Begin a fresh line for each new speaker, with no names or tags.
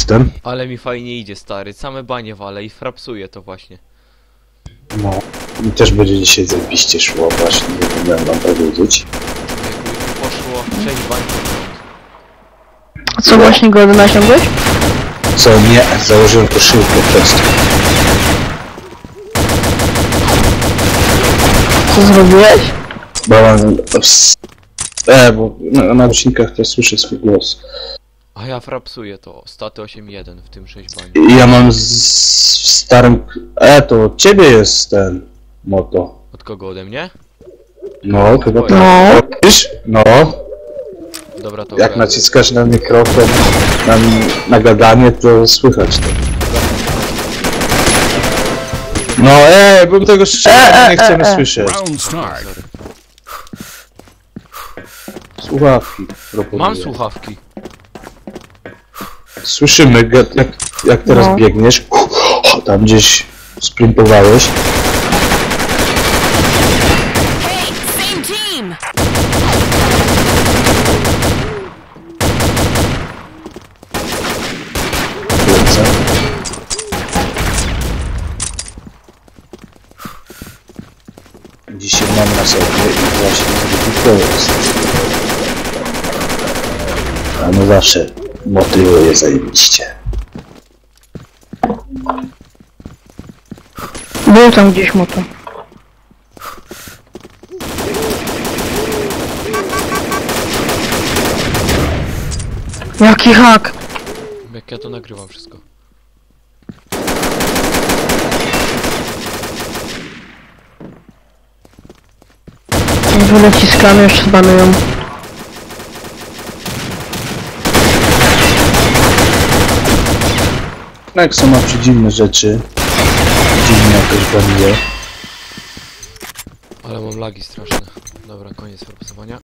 driftem.
Ale mi fajnie idzie, stary. Same banie wale i frapsuje to właśnie.
No. Mi też będzie dzisiaj zajebiście szło właśnie, nie miałem wam powiedzieć.
Człowieku, już poszło 6 bań.
A co właśnie go nasiągłeś?
Co nie, założyłem koszulkę po prostu.
Co zrobiłeś?
Bo mam... bo na głośnikach to słyszę swój głos.
A ja frapsuję to. Staty 8-1 w tym 6 bań.
I ja mam w starym... to od ciebie jest ten moto.
Od kogo ode mnie?
No, chyba tak.
No.
Wiesz? No,
Dobra, to
jak
ogarnę.
naciskasz na mikrofon, na gadanie, to słychać to. No bym tego szczerze nie chcemy słyszeć.
Round start.
Sorry.
Słuchawki proponuję.
Mam słuchawki.
Słyszymy, jak teraz
No.
biegniesz, tam gdzieś sprintowałeś.
Hey, same team!
Lecę. Dzisiaj mam na sobie i właśnie to jest. A no zawsze motywuje zajebiście.
Był tam gdzieś moto. Jaki hak?
Jak ja to nagrywam wszystko.
Naciskamy, już zbanują.
Nexo ma dziwne rzeczy. Dziwnie jakoś banuje.
Ale mam lagi straszne. Dobra, koniec frapsowania.